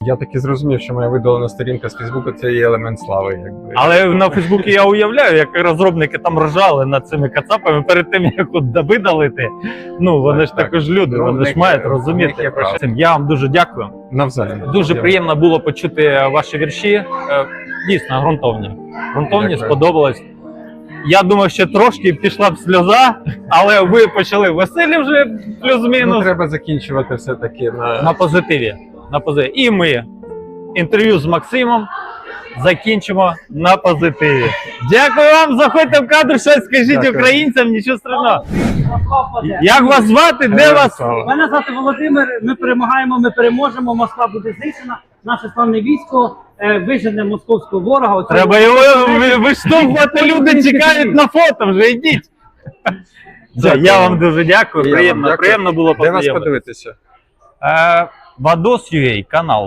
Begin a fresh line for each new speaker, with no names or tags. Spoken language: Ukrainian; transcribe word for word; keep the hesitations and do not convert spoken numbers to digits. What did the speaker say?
Я таки зрозумів, що моя видалена сторінка з Фейсбуку це є елемент слави. Якби.
Але на Фейсбуці я уявляю, як розробники там ржали над цими кацапами перед тим, як от видалити. Ну, вони
Так,
ж
так.
також люди,
Ну,
вони
в
ж
них
мають
є- в
розуміти.
них є право.
Я вам дуже дякую.
Навзаєм.
Дуже
Я-
приємно було почути ваші вірші. Е, Дійсно, ґрунтовні. Ґрунтовні,
Дякую.
сподобалось. Я думав, ще трошки пішла б сльоза, але ви почали веселі вже
Ну,
плюс-мінус.
треба закінчувати все-таки на...
На позитиві. На позитиві. І ми інтерв'ю з Максимом закінчимо на позитиві. Дякую вам, заходьте в кадр, щось скажіть
Дякую.
українцям, нічого страшного.
Москва впаде.
Як вас звати? Де
Героям
вас?
слава.
Мене звати Володимир. Ми перемагаємо, ми переможемо. Москва буде знищена. Наше славне військо е, вижене московського ворога. Оцього-
Треба його ви- виштовхувати, люди чекають на фото, вже йдіть. Все,
Дякую.
я вам дуже дякую,
І я вам
приємно,
дякую.
приємно було
Де вас
познайомитися.
подивитися?
Е, Vados.ua канал.